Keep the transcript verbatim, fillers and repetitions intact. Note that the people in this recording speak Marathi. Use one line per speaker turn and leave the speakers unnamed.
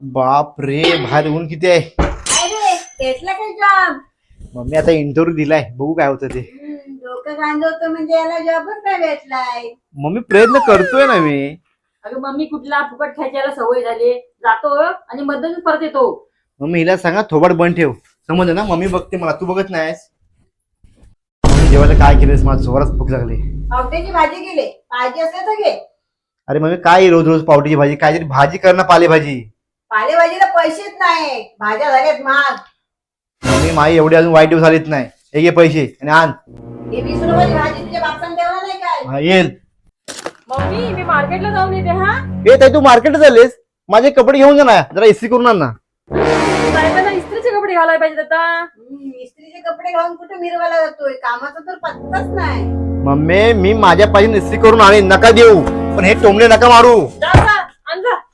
बाप रे, बाहेर ऊन किती आहे.
अरे भेटला काय जॉब?
मम्मी आता इंटरव्ह्यू दिलाय, बघू काय होतं ते.
हम्म, डोकं गांजवतो म्हणजे याला जॉबच नाही भेटलाय.
मम्मी प्रयत्न करतोय ना मी.
अगं मम्मी कुठला फुकट खेचायला सवय झाली. जातो आणि मधून परत येतो.
मम्मी हिला सांगा थोबाड बंद ठेव. समजलं ना, मम्मी बघते मला, तू बघत नाहीस. मम्मी जेवायला काय केलंस, माझं जोरात भूक लागली.
पावट्याची भाजी केली, भाजी असेल तर घे.
अरे मम्मी काय रोज रोज पावटीची भाजी, काहीतरी भाजी कर ना, पालेभाजी.
पालेभाजीला पैसेच नाही, भाज्या झाल्यात महाग.
मम्मी माई एवढे अजून वाईट दिवस आलेत नाही. हे घे पैसे आणि आण.
हे वीस रुपयाची भाजी तुझ्या बापाने ठेवला नाही काय?
हा येईल.
मम्मी मी मार्केटला जाऊन येते. हा
हे ताई, तू मार्केट झालेस, माझे कपडे घेऊन जा ना, जरा इस्त्री करून आण ना.
साहेबांना इस्त्रीचे कपडे घालायला पाहिजे आता.
हम्म, इस्त्रीचे कपडे घालून कुठे मिरवायला जातोय? कामाचा तर पत्ताच नाही.
मम्मी मी माझ्या पाहिजे इस्त्री करून आणेन, नका देऊ, पण हे टोमणे नका मारू.
जा जा, आण जा.